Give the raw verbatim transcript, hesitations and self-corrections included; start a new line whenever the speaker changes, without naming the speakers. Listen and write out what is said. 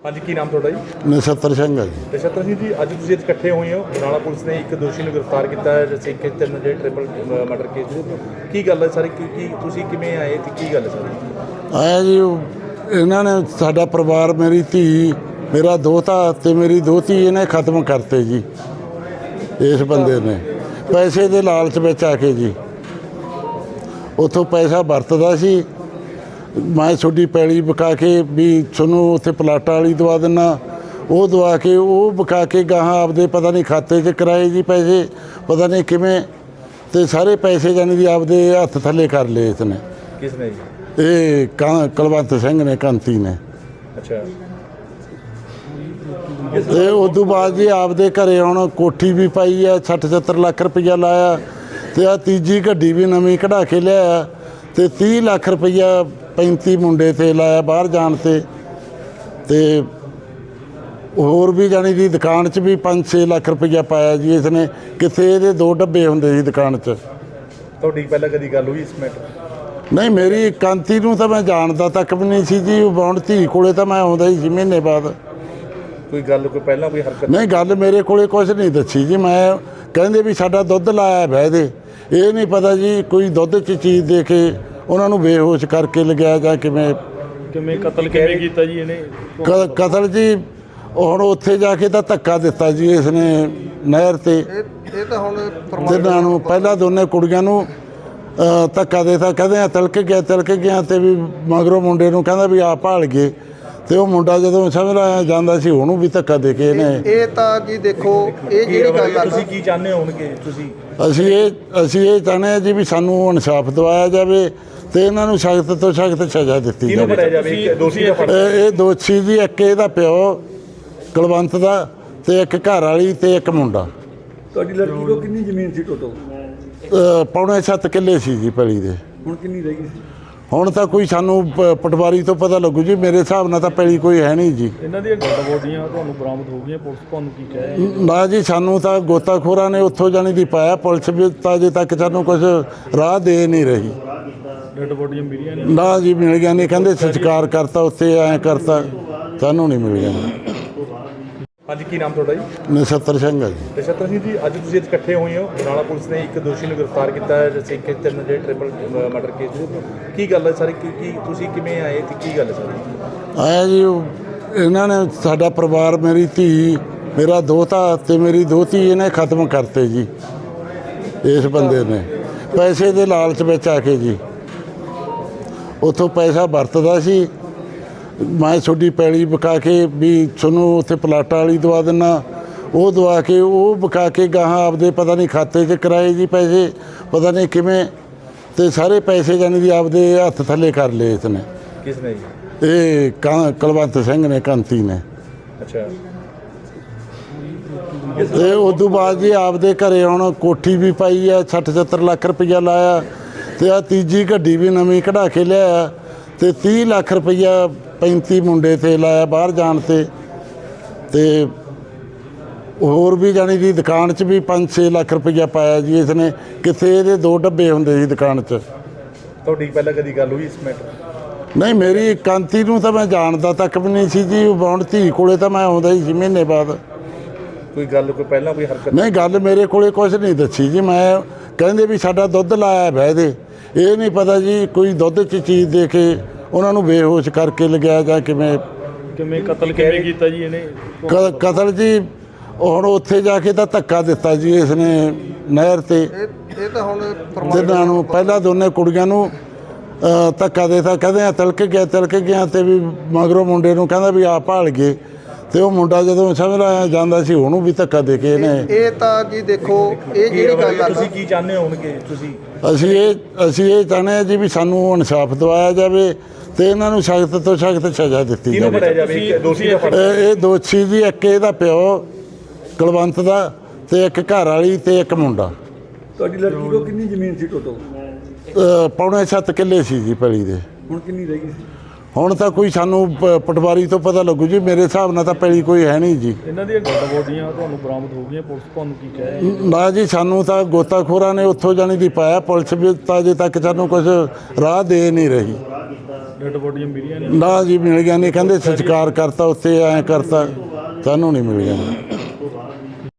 हाँ जी, की नाम थोड़ा जी?
नछत्तर सिंह है जी।
नछत्तर सिंह जी, अज तुसीं इकट्ठे होए हो। बरनाला पुलिस ने एक दोषी ਨੂੰ गिरफ्तार किया है जैसे कि तीन जे ट्रिपल मर्डर केस की गल है सारी की की तुसीं किवें आए ते की गल है सारी?
आया जी इन्हों ने साडा परिवार मेरी धी मेरा दोता ते मेरी दोती इन्हें खत्म करते जी। इस बंदे ने पैसे के लालच में आके जी उतों पैसा वरतदा सी। मैं छोटी पैली बका के भी सुनो उत्थे प्लाटा वाली दवा देना वो दवा के वो बका के गाहां आपदे पता नहीं खाते च कराए जी पैसे पता नहीं किवें ते सारे पैसे जानी कि आपदे हत्थ थले कर ले इसने।
किसने जी?
ये कुलवंत सिंह ने कांती ने।
अच्छा,
ते उदों बाद जी आपदे घरे हुण कोठी भी पाई है सठ सत्तर लाख रुपया लाया ते आ तीजी गड्डी भी नवीं कढ़ा के लिया ते तीह लाख रुपया पैंती मुंडे ते लाया बाहर जान ते ते होर भी जानी कि दुकान च भी पाँच छे लाख रुपया पाया जी इसने। किथे ये दो डब्बे होंदे जी दुकान च।
ਤੁਹਾਡੀ ਪਹਿਲਾਂ ਕਦੀ ਗੱਲ ਹੋਈ ਇਸ ਮੈਟਰ?
नहीं मेरी कांती नूं तां मैं जानदा तक भी नहीं सी जी। बौण धी कोले तां मैं आउंदा ही सी महीने बाद।
ਕੋਈ ਗੱਲ ਕੋਈ ਪਹਿਲਾਂ ਕੋਈ ਹਰਕਤ?
नहीं गल मेरे कोले कुछ नहीं दसी जी। मैं कहंदे भी साडा दुੱਧ लाया बह दे ये नहीं पता जी कोई दुੱਧ च चीज़ दे के उन्होंने बेहोश करके लगाया जां किवें
ਕਿਵੇਂ ਕਤਲ ਕਿਵੇਂ ਕੀਤਾ ਜੀ ਇਹਨੇ?
ਕ- ਕਤਲ ਜੀ ਹੁਣ ਉੱਥੇ ਜਾ ਕੇ ਤਾਂ ਧੱਕਾ ਦਿੱਤਾ ਜੀ ਇਸਨੇ ਨਹਿਰ ਤੇ।
ਇਹ ਤਾਂ ਹੁਣ
ਤਿੰਨਾਂ ਨੂੰ ਪਹਿਲਾਂ ਦੋਨੇ ਕੁੜੀਆਂ ਨੂੰ ਅ, ਧੱਕਾ ਦੇਤਾ ਕਹਿੰਦੇ ਆ ਤਿਲਕ ਗਿਆ ਤਿਲਕ ਗਿਆ ਤੇ ਵੀ ਮਗਰੋਂ ਮੁੰਡੇ ਨੂੰ ਕਹਿੰਦਾ ਵੀ ਆ ਭਾਲ ਗਏ ਤੇ ਉਹ ਮੁੰਡਾ ਜਦੋਂ ਸਮਝ ਲਾਇਆ ਜਾਂਦਾ ਸੀ ਉਹਨੂੰ ਵੀ ਧੱਕਾ ਦੇ ਕੇ ਇਹਨੇ।
ਇਹ ਤਾਂ ਜੀ ਦੇਖੋ ਇਹ ਜਿਹੜੀ ਗੱਲ ਆ
ਤੁਸੀਂ ਕੀ ਚਾਹੁੰਦੇ ਹੋਣਗੇ ਤੁਸੀਂ?
ਅਸੀਂ ਇਹ ਅਸੀਂ ਇਹ ਚਾਹੁੰਦੇ ਹਾਂ ਜੀ ਵੀ ਸਾਨੂੰ ਇਨਸਾਫ ਦਿਵਾਇਆ ਜਾਵੇ ਤੇ ਇਹਨਾਂ ਨੂੰ ਸਖਤ ਤੋਂ ਸਖਤ ਸਜ਼ਾ ਦਿੱਤੀ
ਕਿਹਨੂੰ
ਜਾਵੇ।
ਫੜਿਆ ਜਾਵੇ? ਇੱਕ ਦੋਸ਼ੀ ਦਾ ਫੜ
ਇਹ ਇਹ ਦੋਸ਼ੀ ਜੀ ਇੱਕ ਇਹਦਾ ਪਿਓ ਕੁਲਵੰਤ ਦਾ ਤੇ ਇੱਕ ਘਰ ਵਾਲੀ ਤੇ ਇੱਕ ਮੁੰਡਾ।
ਤੁਹਾਡੀ ਲੜਕੀ ਕੋਲ ਕਿੰਨੀ ਜ਼ਮੀਨ ਸੀ ਟੋਟਲ?
ਅ, ਪੌਣੇ ਸੱਤ ਕਿੱਲੇ ਸੀ ਜੀ ਪੈਲੀ ਦੇ।
ਹੁਣ ਕਿੰਨੀ ਰਹਿ ਗਈ ਸੀ?
ਹੁਣ ਤਾਂ ਕੋਈ ਸਾਨੂੰ ਪ- ਪਟਵਾਰੀ ਤੋਂ ਪਤਾ ਲੱਗੂ ਜੀ। ਮੇਰੇ ਹਿਸਾਬ ਨਾਲ ਤਾਂ ਪੈਲੀ ਕੋਈ ਹੈ ਨਹੀਂ ਜੀ।
ਇਹਨਾਂ ਦੀਆਂ ਡੈਡ ਬੋਡੀਆਂ ਤੁਹਾਨੂੰ ਬਰਾਮਦ ਹੋ ਗਈਆਂ, ਪੁਲਿਸ ਤੁਹਾਨੂੰ ਕੀ ਕਹੇ?
ਨਾ ਜੀ ਸਾਨੂੰ ਤਾਂ ਗੋਤਾਖੋਰਾਂ ਨੇ ਉੱਥੋਂ ਜਾਣੀ ਦੀ ਪਾਇਆ। ਪੁਲਿਸ ਵੀ ਤਾਂ ਅਜੇ ਤੱਕ ਸਾਨੂੰ ਕੁਝ ਰਾਹ ਦੇ ਨਹੀਂ ਰਹੀ।
ਡੈਡ ਬੋਡੀਆਂ ਮਿਲੀਆਂ ਨਹੀਂ?
ਨਾ ਜੀ ਮਿਲ ਗਿਆ ਨਹੀਂ ਕਹਿੰਦੇ ਸੰਸਕਾਰ ਕਰਤਾ ਉੱਥੇ ਐਂ ਕਰਤਾ ਸਾਨੂੰ ਨਹੀਂ ਮਿਲ ਗਿਆ।
हाँ जी, की नाम थोड़ा जी?
ਨਛੱਤਰ ਸਿੰਘ ਹੈ ਜੀ।
नछत्तर सिंह जी, अज तुसीं इकट्ठे होए हो। बरनाला पुलिस ने एक दोषी ਨੂੰ गिरफ्तार किया है जैसे कि तीन जे ट्रिपल मर्डर केस की गल है सारी की की तुसीं किवें आए ते की गल है सारी?
ਆਇਆ ਜੀ ਉਹ ਇਹਨਾਂ ਨੇ ਸਾਡਾ ਪਰਿਵਾਰ ਮੇਰੀ ਧੀ ਮੇਰਾ ਦੋਤਾ ਤੇ ਮੇਰੀ ਦੋਤੀ ਇਹਨੇ ਖਤਮ ਕਰਤੇ ਜੀ। ਇਸ ਬੰਦੇ ਨੇ ਪੈਸੇ ਦੇ ਲਾਲਚ ਵਿੱਚ ਆ ਕੇ ਜੀ ਉਤੋਂ ਪੈਸਾ ਵਰਤਦਾ ਸੀ। ਮੈਂ ਛੋਟੀ ਪੈਲੀ ਬਕਾ ਕੇ ਵੀ ਸੁਣੋ ਉੱਥੇ ਪਲਾਟਾ ਵਾਲੀ ਦਵਾ ਦੇਣਾ वो दवा के वो बका के गाहां आपदे पता नहीं खाते च कराए जी पैसे पता नहीं किवें ते सारे पैसे जानी कि आपदे हत्थ थले कर ले इसने।
किसने जी?
ये कुलवंत सिंह ने कांती ने।
अच्छा,
ते उदों बाद जी आपदे घरे हुण कोठी भी पाई है सठ सत्तर लाख रुपया लाया ते आ तीजी गड्डी भी नवीं कढ़ा के लिया ते तीह लाख रुपया पैंती मुंडे ते लाया बाहर जान ते ते होर भी जानी कि दुकान च भी पाँच छे लाख रुपया पाया जी इसने। किथे ये दो डब्बे होंदे जी दुकान च।
ਤੁਹਾਡੀ ਪਹਿਲਾਂ ਕਦੀ ਗੱਲ ਹੋਈ ਇਸ ਮੈਟਰ?
नहीं मेरी कांती नूं तां मैं जानदा तक भी नहीं सी जी। बौण धी कोले तां मैं आउंदा ही सी महीने बाद।
ਕੋਈ ਗੱਲ ਕੋਈ ਪਹਿਲਾਂ ਕੋਈ ਹਰਕਤ?
नहीं गल मेरे कोले कुछ नहीं दसी जी। मैं कहंदे भी साडा दुੱਧ लाया बह दे ये नहीं पता जी कोई दुੱਧ च चीज़ दे के उन्हां नूं बेहोश करके लगाया जां किवें
ਕਿਵੇਂ ਕਤਲ ਕਿਵੇਂ ਕੀਤਾ ਜੀ ਇਹਨੇ?
ਕ- ਕਤਲ ਜੀ ਹੁਣ ਉੱਥੇ ਜਾ ਕੇ ਤਾਂ ਧੱਕਾ ਦਿੱਤਾ ਜੀ ਇਸਨੇ ਨਹਿਰ ਤੇ।
ਇਹ ਇਹ ਤਾਂ ਹੁਣ
ਤਿੰਨਾਂ ਨੂੰ ਪਹਿਲਾਂ ਦੋਨੇ ਕੁੜੀਆਂ ਨੂੰ ਅ, ਧੱਕਾ ਦੇਤਾ ਕਹਿੰਦੇ ਆ ਤਿਲਕ ਗਿਆ ਤਿਲਕ ਗਿਆ ਤੇ ਵੀ ਮਗਰੋਂ ਮੁੰਡੇ ਨੂੰ ਕਹਿੰਦਾ ਵੀ ਆ ਭਾਲ ਗਏ ਤੇ ਉਹ ਮੁੰਡਾ ਜਦੋਂ ਸਮਝ ਲਾਇਆ ਜਾਂਦਾ ਸੀ ਉਹਨੂੰ ਵੀ ਧੱਕਾ ਦੇ ਕੇ ਇਹਨੇ।
ਇਹ ਤਾਂ ਜੀ ਦੇਖੋ ਇਹ ਜਿਹੜੀ ਗੱਲ ਆ
ਤੁਸੀਂ ਕੀ ਚਾਹੁੰਦੇ ਹੋਣਗੇ ਤੁਸੀਂ?
ਅਸੀਂ ਇਹ ਅਸੀਂ ਇਹ ਚਾਹੁੰਦੇ ਹਾਂ ਜੀ ਵੀ ਸਾਨੂੰ ਇਨਸਾਫ ਦਿਵਾਇਆ ਜਾਵੇ ਤੇ ਇਹਨਾਂ ਨੂੰ ਸਖਤ ਤੋਂ ਸਖਤ ਸਜ਼ਾ ਦਿੱਤੀ
ਕਿਹਨੂੰ
ਜਾਵੇ।
ਫੜਿਆ ਜਾਵੇ? ਇੱਕ ਦੋਸ਼ੀ ਦਾ ਫੜ
ਇਹ ਇਹ ਦੋਸ਼ੀ ਜੀ ਇੱਕ ਇਹਦਾ ਪਿਓ ਕੁਲਵੰਤ ਦਾ ਤੇ ਇੱਕ ਘਰ ਵਾਲੀ ਤੇ ਇੱਕ ਮੁੰਡਾ।
ਤੁਹਾਡੀ ਲੜਕੀ ਕੋਲ ਕਿੰਨੀ ਜ਼ਮੀਨ ਸੀ ਟੋਟਲ?
ਅ, ਪੌਣੇ ਸੱਤ ਕਿੱਲੇ ਸੀ ਜੀ ਪੈਲੀ ਦੇ।
ਹੁਣ ਕਿੰਨੀ ਰਹਿ ਗਈ ਸੀ?
ਹੁਣ ਤਾਂ ਕੋਈ ਸਾਨੂੰ ਪ- ਪਟਵਾਰੀ ਤੋਂ ਪਤਾ ਲੱਗੂ ਜੀ। ਮੇਰੇ ਹਿਸਾਬ ਨਾਲ ਤਾਂ ਪੈਲੀ ਕੋਈ ਹੈ ਨਹੀਂ ਜੀ।
ਇਹਨਾਂ ਦੀਆਂ ਡੈਡ ਬੋਡੀਆਂ ਤੁਹਾਨੂੰ ਬਰਾਮਦ ਹੋ ਗਈਆਂ, ਪੁਲਿਸ ਤੁਹਾਨੂੰ ਕੀ ਕਹੇ?
ਨਾ ਜੀ ਸਾਨੂੰ ਤਾਂ ਗੋਤਾਖੋਰਾਂ ਨੇ ਉੱਥੋਂ ਜਾਣੀ ਦੀ ਪਾਇਆ। ਪੁਲਿਸ ਵੀ ਤਾਂ ਅਜੇ ਤੱਕ ਸਾਨੂੰ ਕੁਝ ਰਾਹ ਦੇ ਨਹੀਂ ਰਹੀ।
ਡੈਡ ਬੋਡੀਆਂ ਮਿਲੀਆਂ ਨੇ
ਨਾ ਜੀ ਮਿਲ ਗਿਆ ਨਹੀਂ, ਕਹਿੰਦੇ ਸੰਸਕਾਰ ਕਰਤਾ ਉੱਥੇ ਐਂ ਕਰਤਾ, ਸਾਨੂੰ ਨਹੀਂ ਮਿਲ ਗਿਆ।